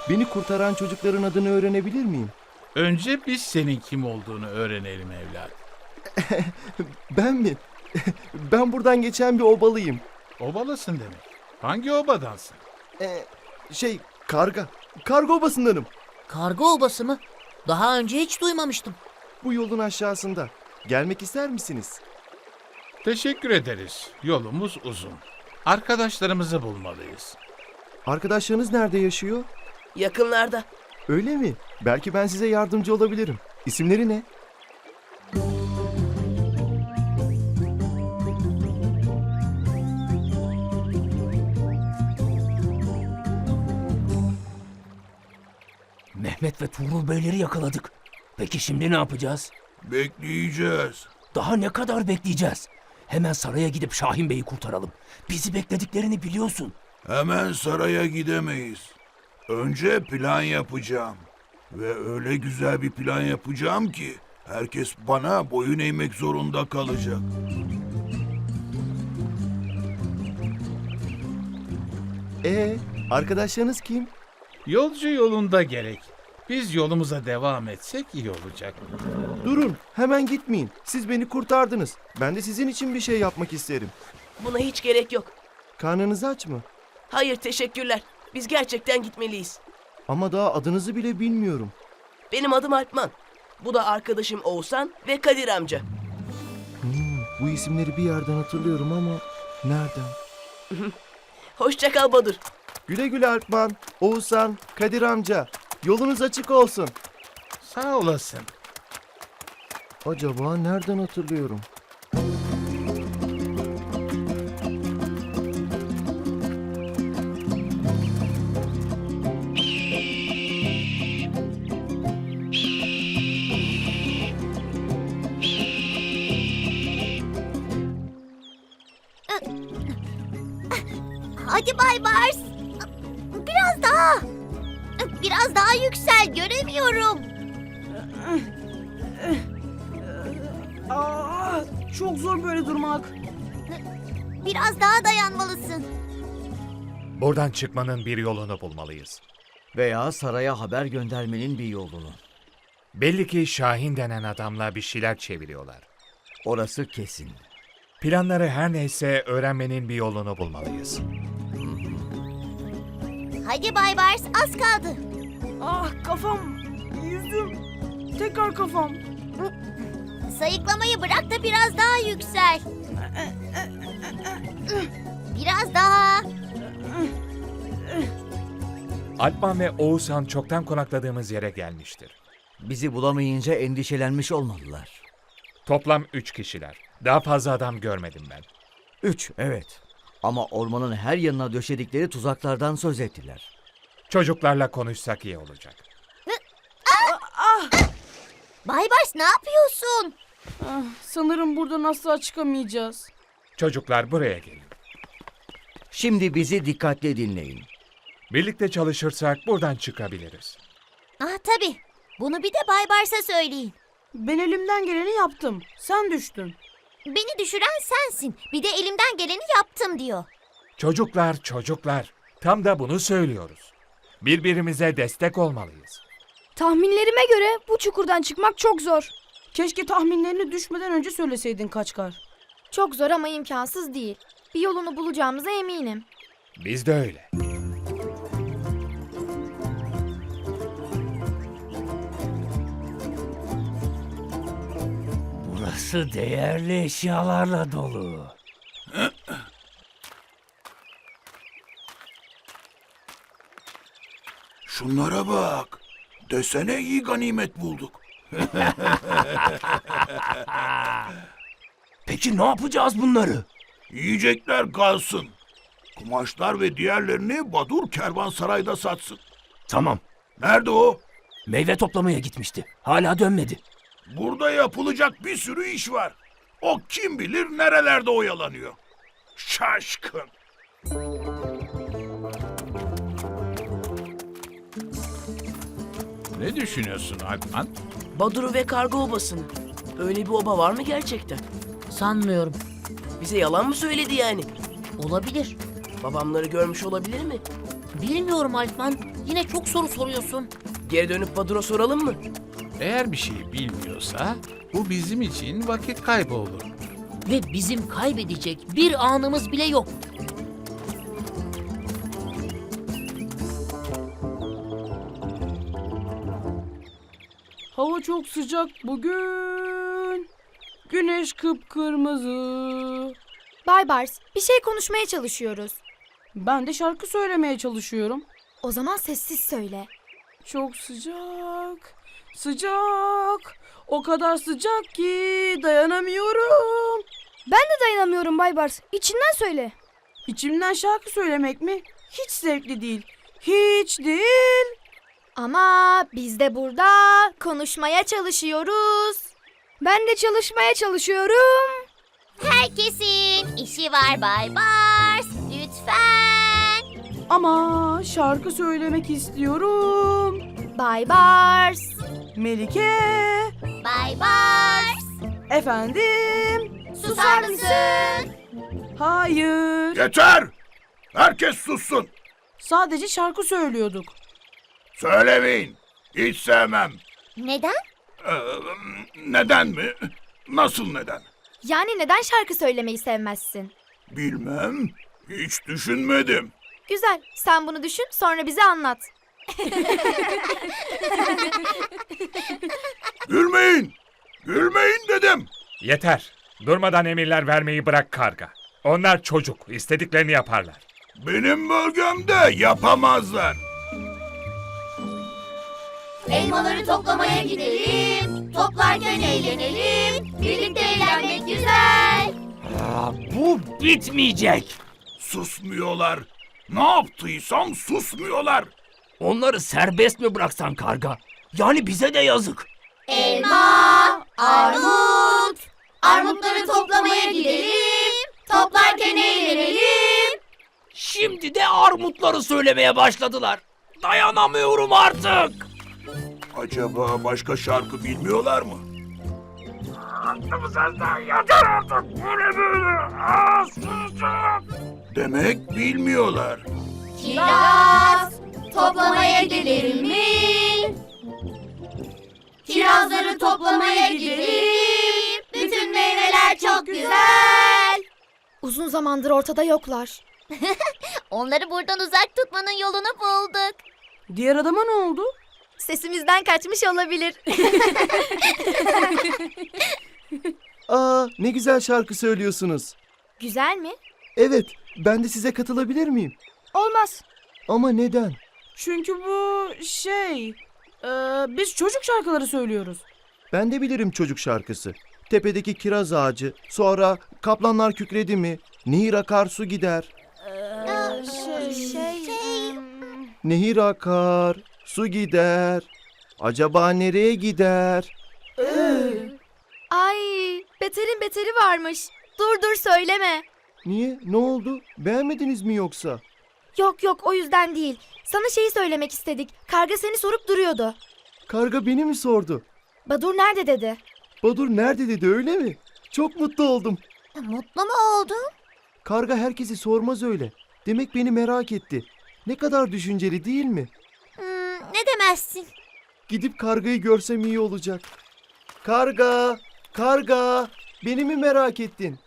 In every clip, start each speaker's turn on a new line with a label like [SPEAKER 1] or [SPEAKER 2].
[SPEAKER 1] Beni kurtaran çocukların adını öğrenebilir miyim?
[SPEAKER 2] Önce biz senin kim olduğunu öğrenelim evlat.
[SPEAKER 1] Ben mi? Ben buradan geçen bir obalıyım.
[SPEAKER 2] Obalısın demek. Hangi obadansın?
[SPEAKER 1] Karga. Karga obasındanım.
[SPEAKER 3] Karga obası mı? Daha önce hiç duymamıştım.
[SPEAKER 1] Bu yolun aşağısında. Gelmek ister misiniz?
[SPEAKER 2] Teşekkür ederiz. Yolumuz uzun. Arkadaşlarımızı bulmalıyız.
[SPEAKER 1] Arkadaşlarınız nerede yaşıyor?
[SPEAKER 4] Yakınlarda.
[SPEAKER 1] Öyle mi? Belki ben size yardımcı olabilirim. İsimleri ne?
[SPEAKER 5] Mehmet ve Tuğrul Beyleri yakaladık. Peki şimdi ne yapacağız?
[SPEAKER 6] Bekleyeceğiz.
[SPEAKER 5] Daha ne kadar bekleyeceğiz? Hemen saraya gidip Şahin Bey'i kurtaralım. Bizi beklediklerini biliyorsun.
[SPEAKER 6] Hemen saraya gidemeyiz. Önce plan yapacağım. Ve öyle güzel bir plan yapacağım ki herkes bana boyun eğmek zorunda kalacak.
[SPEAKER 1] Arkadaşlarınız kim?
[SPEAKER 2] Yolcu yolunda gerek. Biz yolumuza devam etsek iyi olacak.
[SPEAKER 1] Durun, hemen gitmeyin. Siz beni kurtardınız. Ben de sizin için bir şey yapmak isterim.
[SPEAKER 4] Buna hiç gerek yok.
[SPEAKER 1] Karnınız aç mı?
[SPEAKER 4] Hayır, teşekkürler. Biz gerçekten gitmeliyiz.
[SPEAKER 1] Ama daha adınızı bile bilmiyorum.
[SPEAKER 4] Benim adım Alpman. Bu da arkadaşım Oğuzhan ve Kadir amca.
[SPEAKER 1] Bu isimleri bir yerden hatırlıyorum ama nereden?
[SPEAKER 4] Hoşça kal Badur.
[SPEAKER 1] Güle güle Alpman, Oğuzhan, Kadir amca. Yolunuz açık olsun.
[SPEAKER 2] Sağ olasın.
[SPEAKER 1] Acaba nereden hatırlıyorum?
[SPEAKER 7] Hadi Bay Bars. Biraz daha. Biraz daha yüksel, göremiyorum.
[SPEAKER 8] Çok zor böyle durmak.
[SPEAKER 7] Biraz daha dayanmalısın.
[SPEAKER 9] Buradan çıkmanın bir yolunu bulmalıyız.
[SPEAKER 10] Veya saraya haber göndermenin bir yolunu.
[SPEAKER 9] Belli ki Şahin denen adamla bir şeyler çeviriyorlar.
[SPEAKER 10] Orası kesin.
[SPEAKER 9] Planları her neyse öğrenmenin bir yolunu bulmalıyız.
[SPEAKER 7] Hadi Bay Bars, az kaldı.
[SPEAKER 8] Ah kafam, yüzüm, tekrar kafam.
[SPEAKER 7] Sayıklamayı bırak da biraz daha yüksel. Biraz daha.
[SPEAKER 9] Alpman ve Oğuzhan çoktan konakladığımız yere gelmiştir.
[SPEAKER 10] Bizi bulamayınca endişelenmiş olmalılar.
[SPEAKER 9] Toplam 3 kişiler. Daha fazla adam görmedim ben.
[SPEAKER 10] 3, evet. Ama ormanın her yanına döşedikleri tuzaklardan söz ettiler.
[SPEAKER 9] Çocuklarla konuşsak iyi olacak.
[SPEAKER 7] Bay Bars, ne yapıyorsun?
[SPEAKER 8] Sanırım buradan asla çıkamayacağız.
[SPEAKER 9] Çocuklar buraya gelin.
[SPEAKER 10] Şimdi bizi dikkatli dinleyin.
[SPEAKER 9] Birlikte çalışırsak buradan çıkabiliriz.
[SPEAKER 7] Ah tabii. Bunu bir de Bay Bars'a söyleyin.
[SPEAKER 8] Ben elimden geleni yaptım. Sen düştün.
[SPEAKER 7] Beni düşüren sensin. Bir de elimden geleni yaptım diyor.
[SPEAKER 9] Çocuklar. Tam da bunu söylüyoruz. Birbirimize destek olmalıyız.
[SPEAKER 11] Tahminlerime göre bu çukurdan çıkmak çok zor.
[SPEAKER 8] Keşke tahminlerini düşmeden önce söyleseydin Kaçkar.
[SPEAKER 11] Çok zor ama imkansız değil. Bir yolunu bulacağımıza eminim.
[SPEAKER 9] Biz de öyle.
[SPEAKER 5] Burası değerli eşyalarla dolu.
[SPEAKER 6] Şunlara bak. Desene iyi ganimet bulduk.
[SPEAKER 5] Peki ne yapacağız bunları?
[SPEAKER 6] Yiyecekler kalsın. Kumaşlar ve diğerlerini Badur kervansarayda satsın.
[SPEAKER 5] Tamam.
[SPEAKER 6] Nerede o?
[SPEAKER 5] Meyve toplamaya gitmişti. Hala dönmedi.
[SPEAKER 6] Burada yapılacak bir sürü iş var. O kim bilir nerelerde oyalanıyor. Şaşkın.
[SPEAKER 2] Ne düşünüyorsun Alpman?
[SPEAKER 4] Badur'u ve karga obasını. Öyle bir oba var mı gerçekten?
[SPEAKER 3] Sanmıyorum.
[SPEAKER 4] Bize yalan mı söyledi yani?
[SPEAKER 3] Olabilir.
[SPEAKER 4] Babamları görmüş olabilir mi?
[SPEAKER 3] Bilmiyorum Alpman. Yine çok soru soruyorsun.
[SPEAKER 4] Geri dönüp Badur'a soralım mı?
[SPEAKER 2] Eğer bir şey bilmiyorsa bu bizim için vakit kaybı olur.
[SPEAKER 3] Ve bizim kaybedecek bir anımız bile yok.
[SPEAKER 8] Hava çok sıcak bugün. Güneş kıpkırmızı.
[SPEAKER 11] Bay Bars, bir şey konuşmaya çalışıyoruz.
[SPEAKER 8] Ben de şarkı söylemeye çalışıyorum.
[SPEAKER 11] O zaman sessiz söyle.
[SPEAKER 8] Çok sıcak, sıcak. O kadar sıcak ki dayanamıyorum.
[SPEAKER 11] Ben de dayanamıyorum Bay Bars. İçinden söyle.
[SPEAKER 8] İçimden şarkı söylemek mi? Hiç zevkli değil. Hiç değil.
[SPEAKER 11] Ama biz de burada konuşmaya çalışıyoruz. Ben de çalışmaya çalışıyorum.
[SPEAKER 7] Herkesin işi var Bay Bars. Lütfen.
[SPEAKER 8] Ama şarkı söylemek istiyorum.
[SPEAKER 11] Bay Bars.
[SPEAKER 8] Melike,
[SPEAKER 7] Bay Bars.
[SPEAKER 8] efendim.
[SPEAKER 7] Susar mısın?
[SPEAKER 8] Hayır.
[SPEAKER 6] Yeter! Herkes sussun.
[SPEAKER 8] Sadece şarkı söylüyorduk.
[SPEAKER 6] Söylemeyin. Hiç sevmem.
[SPEAKER 7] Neden?
[SPEAKER 6] Ee, neden mi? Nasıl neden?
[SPEAKER 11] Yani neden şarkı söylemeyi sevmezsin?
[SPEAKER 6] Bilmem. Hiç düşünmedim.
[SPEAKER 11] Güzel. Sen bunu düşün, sonra bize anlat.
[SPEAKER 6] Gülmeyin. Gülmeyin dedim.
[SPEAKER 9] Yeter. Durmadan emirler vermeyi bırak karga. Onlar çocuk. İstediklerini yaparlar.
[SPEAKER 6] Benim bölgemde yapamazlar.
[SPEAKER 7] Elmaları toplamaya gidelim. Toplarken eğlenelim. Birlikte eğlenmek güzel.
[SPEAKER 5] Bu bitmeyecek.
[SPEAKER 6] Susmuyorlar. Ne yaptıysam susmuyorlar.
[SPEAKER 5] Onları serbest mi bıraksan karga? Yani bize de yazık.
[SPEAKER 7] Elma, armut. Armutları toplamaya gidelim. Toplarken eğlenelim.
[SPEAKER 5] Şimdi de armutları söylemeye başladılar. Dayanamıyorum artık.
[SPEAKER 6] Acaba başka şarkı bilmiyorlar mı? Demek bilmiyorlar.
[SPEAKER 7] Kiraz, toplamaya gidelim mi? Kirazları toplamaya gidelim. Bütün meyveler çok güzel.
[SPEAKER 11] Uzun zamandır ortada yoklar.
[SPEAKER 7] Onları buradan uzak tutmanın yolunu bulduk.
[SPEAKER 8] Diğer adama ne oldu?
[SPEAKER 11] Sesimizden kaçmış olabilir.
[SPEAKER 1] Aa, ne güzel şarkı söylüyorsunuz.
[SPEAKER 11] Güzel mi?
[SPEAKER 1] Evet, ben de size katılabilir miyim?
[SPEAKER 11] Olmaz.
[SPEAKER 1] Ama neden?
[SPEAKER 8] Çünkü bu biz çocuk şarkıları söylüyoruz.
[SPEAKER 1] Ben de bilirim çocuk şarkısı. Tepedeki kiraz ağacı, sonra kaplanlar kükredi mi, nehir akar su gider. Nehir akar, su gider. Acaba nereye gider?
[SPEAKER 11] Ay, beterin beteri varmış. Dur söyleme.
[SPEAKER 1] Niye? Ne oldu? Beğenmediniz mi yoksa?
[SPEAKER 11] Yok o yüzden değil. Sana şeyi söylemek istedik. Karga seni sorup duruyordu.
[SPEAKER 1] Karga beni mi sordu?
[SPEAKER 11] Badur nerede dedi.
[SPEAKER 1] Badur nerede dedi, öyle mi? Çok mutlu oldum.
[SPEAKER 7] Mutlu mu oldun?
[SPEAKER 1] Karga herkesi sormaz öyle. Demek beni merak etti. Ne kadar düşünceli değil mi?
[SPEAKER 7] Ne demezsin?
[SPEAKER 1] Gidip kargayı görsem iyi olacak. Karga, karga, beni mi merak ettin?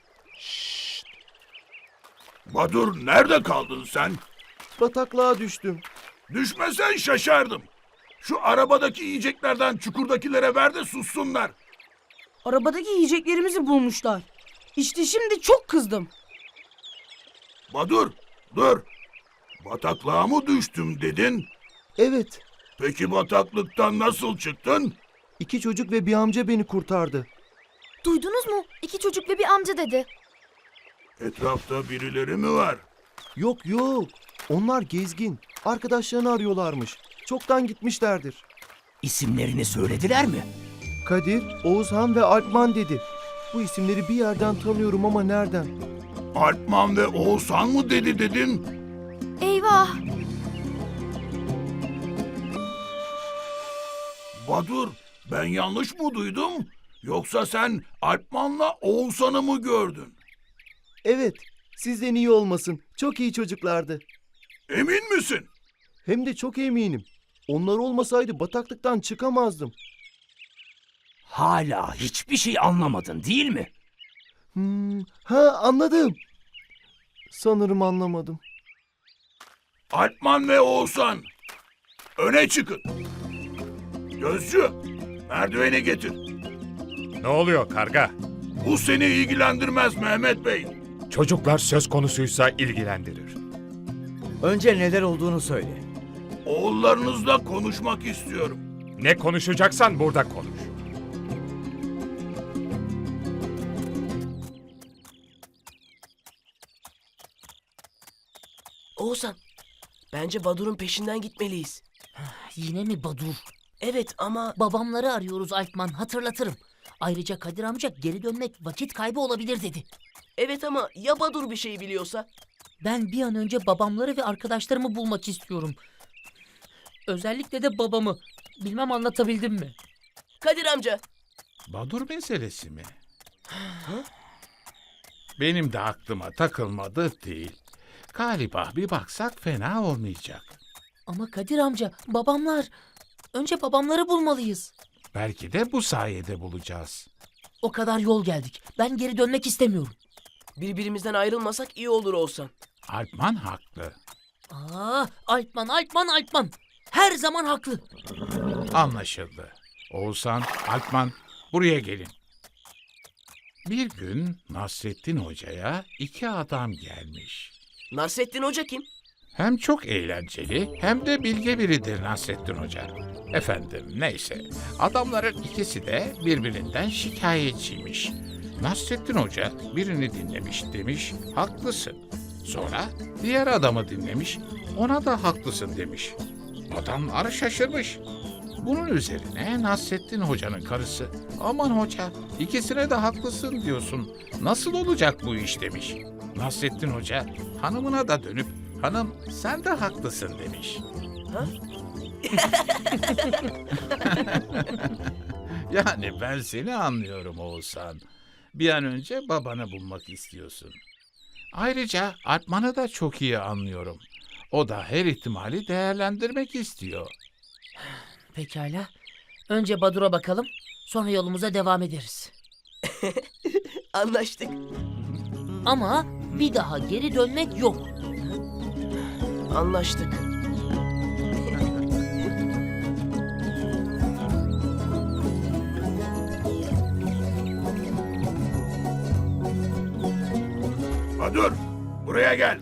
[SPEAKER 6] Badur nerede kaldın sen?
[SPEAKER 1] Bataklığa düştüm.
[SPEAKER 6] Düşmesen şaşardım. Şu arabadaki yiyeceklerden çukurdakilere ver de sussunlar.
[SPEAKER 8] Arabadaki yiyeceklerimizi bulmuşlar. İşte şimdi çok kızdım.
[SPEAKER 6] Badur, dur. Bataklığa mı düştüm dedin?
[SPEAKER 1] Evet,
[SPEAKER 6] Peki bataklıktan nasıl çıktın?
[SPEAKER 1] 2 çocuk ve bir amca beni kurtardı.
[SPEAKER 11] Duydunuz mu? 2 çocuk ve bir amca dedi.
[SPEAKER 6] Etrafta birileri mi var?
[SPEAKER 1] Yok, onlar gezgin. Arkadaşlarını arıyorlarmış. Çoktan gitmişlerdir.
[SPEAKER 5] İsimlerini söylediler mi?
[SPEAKER 1] Kadir, Oğuzhan ve Alpman dedi. Bu isimleri bir yerden tanıyorum ama nereden?
[SPEAKER 6] Alpman ve Oğuzhan mı dedin?
[SPEAKER 11] Eyvah.
[SPEAKER 6] Badur, ben yanlış mı duydum? Yoksa sen Alpman'la Oğuzhan'ı mı gördün?
[SPEAKER 1] Evet, sizden iyi olmasın. Çok iyi çocuklardı.
[SPEAKER 6] Emin misin?
[SPEAKER 1] Hem de çok eminim. Onlar olmasaydı bataklıktan çıkamazdım.
[SPEAKER 5] Hala hiçbir şey anlamadın değil mi?
[SPEAKER 1] Ha, anladım. Sanırım anlamadım.
[SPEAKER 6] Alpman ve Oğuzhan, öne çıkın. Gözcü, merdiveni getir.
[SPEAKER 9] Ne oluyor karga?
[SPEAKER 6] Bu seni ilgilendirmez Mehmet Bey.
[SPEAKER 9] Çocuklar söz konusuysa ilgilendirir.
[SPEAKER 10] Önce neler olduğunu söyle.
[SPEAKER 6] Oğullarınızla konuşmak istiyorum.
[SPEAKER 9] Ne konuşacaksan burada konuş.
[SPEAKER 4] Oğuzhan, bence Badur'un peşinden gitmeliyiz.
[SPEAKER 3] Yine mi Badur?
[SPEAKER 4] Evet ama
[SPEAKER 3] Babamları arıyoruz Alpman, hatırlatırım. Ayrıca Kadir amca geri dönmek vakit kaybı olabilir dedi.
[SPEAKER 4] evet ama ya Badur bir şey biliyorsa?
[SPEAKER 3] Ben bir an önce babamları ve arkadaşlarımı bulmak istiyorum. Özellikle de babamı. Bilmem anlatabildim mi?
[SPEAKER 4] Kadir amca,
[SPEAKER 2] Badur meselesi mi? Benim de aklıma takılmadı değil. Galiba bir baksak fena olmayacak.
[SPEAKER 3] Ama Kadir amca, babamlar. Önce babamları bulmalıyız.
[SPEAKER 2] Belki de bu sayede bulacağız.
[SPEAKER 3] O kadar yol geldik. Ben geri dönmek istemiyorum.
[SPEAKER 4] birbirimizden ayrılmasak iyi olur Oğuzhan.
[SPEAKER 2] Alpman haklı.
[SPEAKER 3] Alpman, Alpman, Alpman. Her zaman haklı.
[SPEAKER 2] Anlaşıldı. Oğuzhan, Alpman buraya gelin. Bir gün Nasrettin Hoca'ya 2 adam gelmiş.
[SPEAKER 4] Nasrettin Hoca kim?
[SPEAKER 2] Hem çok eğlenceli hem de bilge biridir Nasrettin Hoca. Efendim neyse, adamların ikisi de birbirinden şikayetçiymiş. Nasrettin Hoca birini dinlemiş, demiş haklısın. Sonra diğer adamı dinlemiş, ona da haklısın demiş. Adamlar şaşırmış. Bunun üzerine Nasrettin Hoca'nın karısı, aman hoca ikisine de haklısın diyorsun, nasıl olacak bu iş demiş. Nasrettin Hoca hanımına da dönüp, hanım sen de haklısın demiş.
[SPEAKER 4] Ha?
[SPEAKER 2] Yani ben seni anlıyorum Oğuzhan. Bir an önce babanı bulmak istiyorsun. Ayrıca Alpman'ı da çok iyi anlıyorum. O da her ihtimali değerlendirmek istiyor.
[SPEAKER 3] Pekala. Önce Badur'a bakalım. Sonra yolumuza devam ederiz.
[SPEAKER 4] Anlaştık.
[SPEAKER 3] Ama bir daha geri dönmek yok.
[SPEAKER 4] Anlaştık.
[SPEAKER 6] Badur, buraya gel.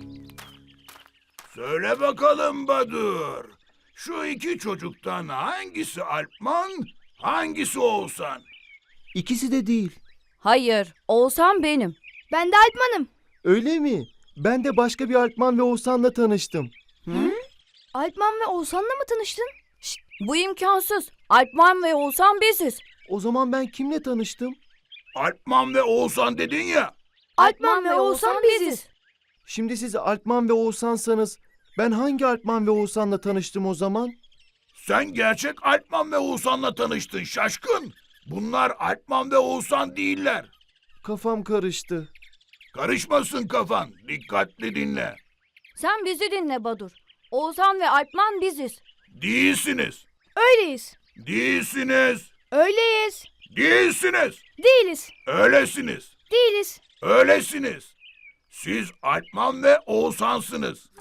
[SPEAKER 6] Söyle bakalım Badur. Şu 2 çocuktan hangisi Alpman, hangisi Oğuzhan?
[SPEAKER 1] İkisi de değil.
[SPEAKER 8] Hayır, Oğuzhan benim.
[SPEAKER 11] Ben de Alpman'ım.
[SPEAKER 1] Öyle mi? Ben de başka bir Alpman ve Oğuzhan'la tanıştım.
[SPEAKER 11] Alpman ve Oğuzhan'la mı tanıştın?
[SPEAKER 8] Bu imkansız. Alpman ve Oğuzhan biziz.
[SPEAKER 1] O zaman ben kimle tanıştım?
[SPEAKER 6] Alpman ve Oğuzhan dedin ya.
[SPEAKER 11] Alpman ve Oğuzhan biziz.
[SPEAKER 1] Şimdi siz Alpman ve Oğuzhan'sanız ben hangi Alpman ve Oğuzhan'la tanıştım o zaman?
[SPEAKER 6] Sen gerçek Alpman ve Oğuzhan'la tanıştın şaşkın. Bunlar Alpman ve Oğuzhan değiller.
[SPEAKER 1] Kafam karıştı.
[SPEAKER 6] Karışmasın kafan, dikkatli dinle.
[SPEAKER 8] Sen bizi dinle Badur. Oğuzhan ve Alpman biziz.
[SPEAKER 6] Değilsiniz,
[SPEAKER 11] Öyleyiz.
[SPEAKER 6] değilsiniz,
[SPEAKER 11] Öyleyiz.
[SPEAKER 6] değilsiniz,
[SPEAKER 11] Değiliz.
[SPEAKER 6] öylesiniz,
[SPEAKER 11] Değiliz.
[SPEAKER 6] öylesiniz. Siz Alpman ve Oğuzhan'sınız.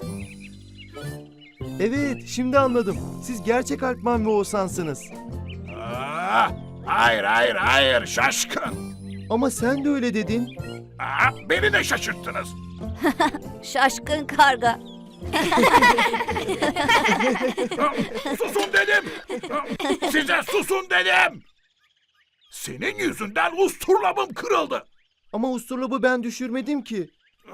[SPEAKER 1] Evet, şimdi anladım. Siz gerçek Alpman ve Oğuzhan'sınız.
[SPEAKER 6] Hayır, şaşkın.
[SPEAKER 1] Ama sen de öyle dedin.
[SPEAKER 6] Beni de şaşırttınız.
[SPEAKER 8] Şaşkın karga.
[SPEAKER 6] Susun dedim. Size susun dedim. Senin yüzünden usturlabım kırıldı.
[SPEAKER 1] Ama usturlabı ben düşürmedim ki.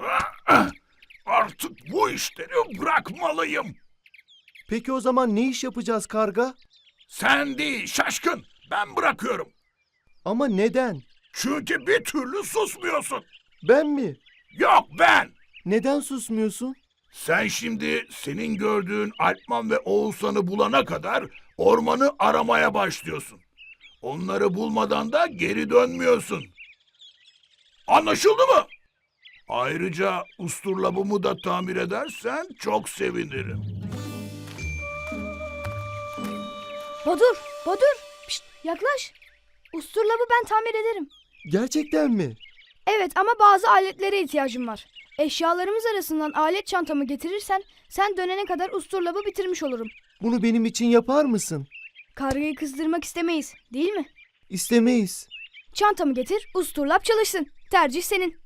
[SPEAKER 6] Artık bu işleri bırakmalıyım.
[SPEAKER 1] Peki o zaman ne iş yapacağız karga?
[SPEAKER 6] Sen değil şaşkın. Ben bırakıyorum.
[SPEAKER 1] Ama neden?
[SPEAKER 6] Çünkü bir türlü susmuyorsun.
[SPEAKER 1] Ben mi?
[SPEAKER 6] Yok ben.
[SPEAKER 1] Neden susmuyorsun?
[SPEAKER 6] Sen şimdi senin gördüğün Alpman ve Oğuzhan'ı bulana kadar ormanı aramaya başlıyorsun. Onları bulmadan da geri dönmüyorsun. Anlaşıldı mı? Ayrıca usturlabımı da tamir edersen çok sevinirim.
[SPEAKER 11] Badur. Pişt, yaklaş. Usturlabı ben tamir ederim.
[SPEAKER 1] Gerçekten mi?
[SPEAKER 11] Evet ama bazı aletlere ihtiyacım var. Eşyalarımız arasından alet çantamı getirirsen sen dönene kadar usturlabı bitirmiş olurum.
[SPEAKER 1] Bunu benim için yapar mısın?
[SPEAKER 11] Kargayı kızdırmak istemeyiz, değil mi?
[SPEAKER 1] İstemeyiz.
[SPEAKER 11] Çantamı getir, usturlap çalışsın. Tercih senin.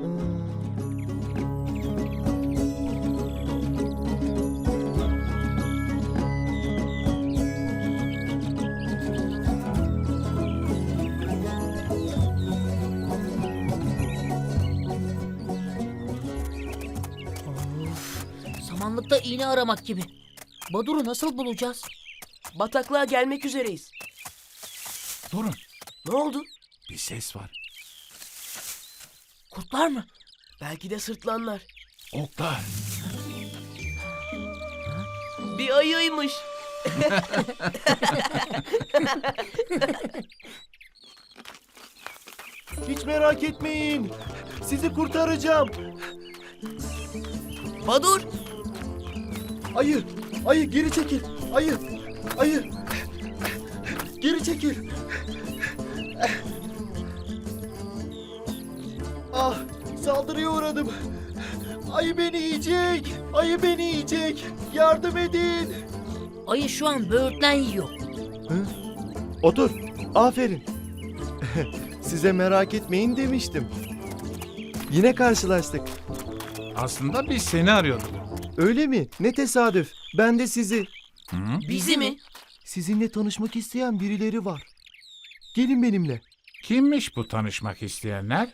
[SPEAKER 3] Samanlıkta iğne aramak gibi. Badur'u nasıl bulacağız?
[SPEAKER 4] Bataklığa gelmek üzereyiz.
[SPEAKER 2] Durun,
[SPEAKER 4] Ne oldu?
[SPEAKER 2] bir ses var.
[SPEAKER 3] Kurtlar mı?
[SPEAKER 4] Belki de sırtlanlar.
[SPEAKER 2] Oklar.
[SPEAKER 4] Bir ayıymış.
[SPEAKER 1] Hiç merak etmeyin. Sizi kurtaracağım.
[SPEAKER 4] Badur!
[SPEAKER 1] Ayı geri çekil. Ayı. Geri çekil. Ah, saldırıya uğradım. Ayı beni yiyecek. Yardım edin.
[SPEAKER 3] Ayı şu an böğürtlen yiyor.
[SPEAKER 1] Otur. Aferin. Size merak etmeyin demiştim. Yine karşılaştık.
[SPEAKER 2] Aslında biz seni arıyorduk.
[SPEAKER 1] Öyle mi? Ne tesadüf. Ben de sizi.
[SPEAKER 2] Hı?
[SPEAKER 4] Bizi mi?
[SPEAKER 1] Sizinle tanışmak isteyen birileri var. Gelin benimle.
[SPEAKER 2] Kimmiş bu tanışmak isteyenler?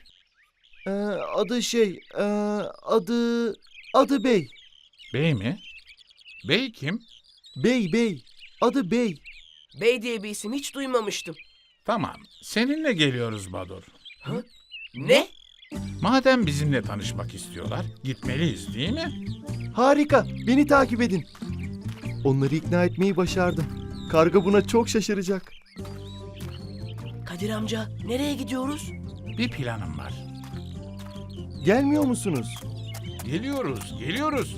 [SPEAKER 1] Adı Bey.
[SPEAKER 2] Bey mi? Bey kim?
[SPEAKER 1] Bey. Adı Bey.
[SPEAKER 4] Bey diye bir isim hiç duymamıştım.
[SPEAKER 2] Tamam, seninle geliyoruz Badur.
[SPEAKER 4] Ne?
[SPEAKER 2] Madem bizimle tanışmak istiyorlar, gitmeliyiz değil mi?
[SPEAKER 1] Harika. Beni takip edin. Onları ikna etmeyi başardım. Karga buna çok şaşıracak.
[SPEAKER 4] Kadir amca, nereye gidiyoruz?
[SPEAKER 2] Bir planım var.
[SPEAKER 1] Gelmiyor musunuz?
[SPEAKER 2] Geliyoruz.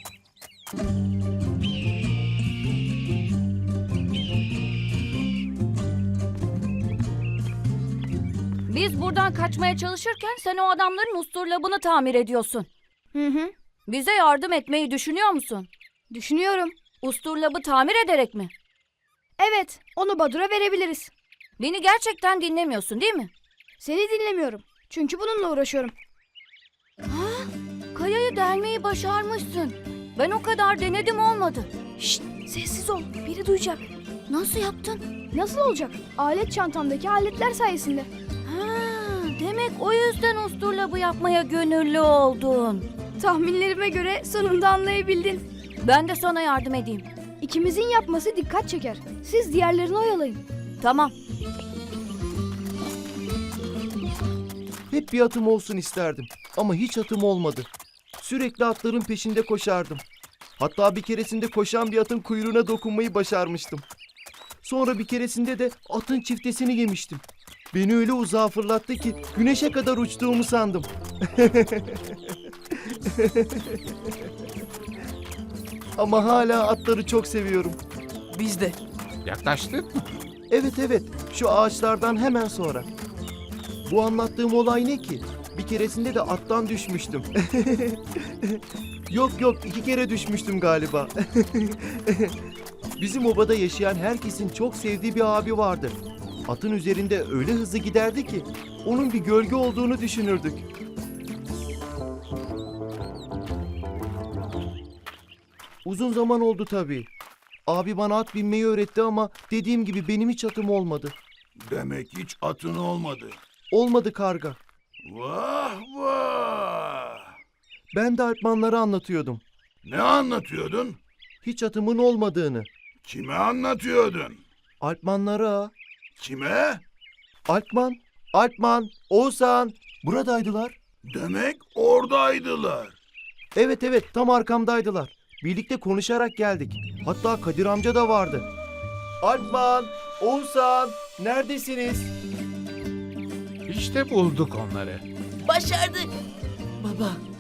[SPEAKER 12] Biz buradan kaçmaya çalışırken sen o adamların usturlabını tamir ediyorsun.
[SPEAKER 11] Hı.
[SPEAKER 12] Bize yardım etmeyi düşünüyor musun?
[SPEAKER 11] Düşünüyorum.
[SPEAKER 12] Usturlabı tamir ederek mi?
[SPEAKER 11] Evet, onu Badur'a verebiliriz.
[SPEAKER 12] Beni gerçekten dinlemiyorsun değil mi?
[SPEAKER 11] Seni dinlemiyorum. Çünkü bununla uğraşıyorum.
[SPEAKER 12] Kayayı delmeyi başarmışsın. Ben o kadar denedim olmadı.
[SPEAKER 11] Şşt, sessiz ol. Biri duyacak.
[SPEAKER 12] Nasıl yaptın?
[SPEAKER 11] Nasıl olacak? Alet çantamdaki aletler sayesinde.
[SPEAKER 12] Ha, demek o yüzden usturlabı yapmaya gönüllü oldun.
[SPEAKER 11] Tahminlerime göre sonunda anlayabildin.
[SPEAKER 12] Ben de sana yardım edeyim.
[SPEAKER 11] İkimizin yapması dikkat çeker. Siz diğerlerini oyalayın.
[SPEAKER 12] Tamam.
[SPEAKER 1] Hep bir atım olsun isterdim. Ama hiç atım olmadı. Sürekli atların peşinde koşardım. Hatta bir keresinde koşan bir atın kuyruğuna dokunmayı başarmıştım. Sonra bir keresinde de atın çiftesini yemiştim. Beni öyle uzağa fırlattı ki güneşe kadar uçtuğumu sandım. Ama hala atları çok seviyorum.
[SPEAKER 4] Biz de.
[SPEAKER 2] Yaklaştık mı?
[SPEAKER 1] Evet, şu ağaçlardan hemen sonra. Bu anlattığım olay ne ki? Bir keresinde de attan düşmüştüm. Yok 2 kere düşmüştüm galiba. Bizim obada yaşayan herkesin çok sevdiği bir abi vardı. Atın üzerinde öyle hızlı giderdi ki onun bir gölge olduğunu düşünürdük. Uzun zaman oldu tabii. Abi bana at binmeyi öğretti ama dediğim gibi benim hiç atım olmadı.
[SPEAKER 6] Demek hiç atın olmadı.
[SPEAKER 1] Olmadı karga.
[SPEAKER 6] Vah!
[SPEAKER 1] Ben de Alpmanlara anlatıyordum.
[SPEAKER 6] Ne anlatıyordun?
[SPEAKER 1] Hiç atımın olmadığını.
[SPEAKER 6] Kime anlatıyordun?
[SPEAKER 1] Alpmanlara.
[SPEAKER 6] Kime?
[SPEAKER 1] Alpman, Oğuzhan. Buradaydılar.
[SPEAKER 6] Demek oradaydılar.
[SPEAKER 1] Evet, tam arkamdaydılar. Birlikte konuşarak geldik. Hatta Kadir amca da vardı. Alpman, Oğuzhan, neredesiniz?
[SPEAKER 2] İşte bulduk onları.
[SPEAKER 4] Başardık.
[SPEAKER 3] Baba,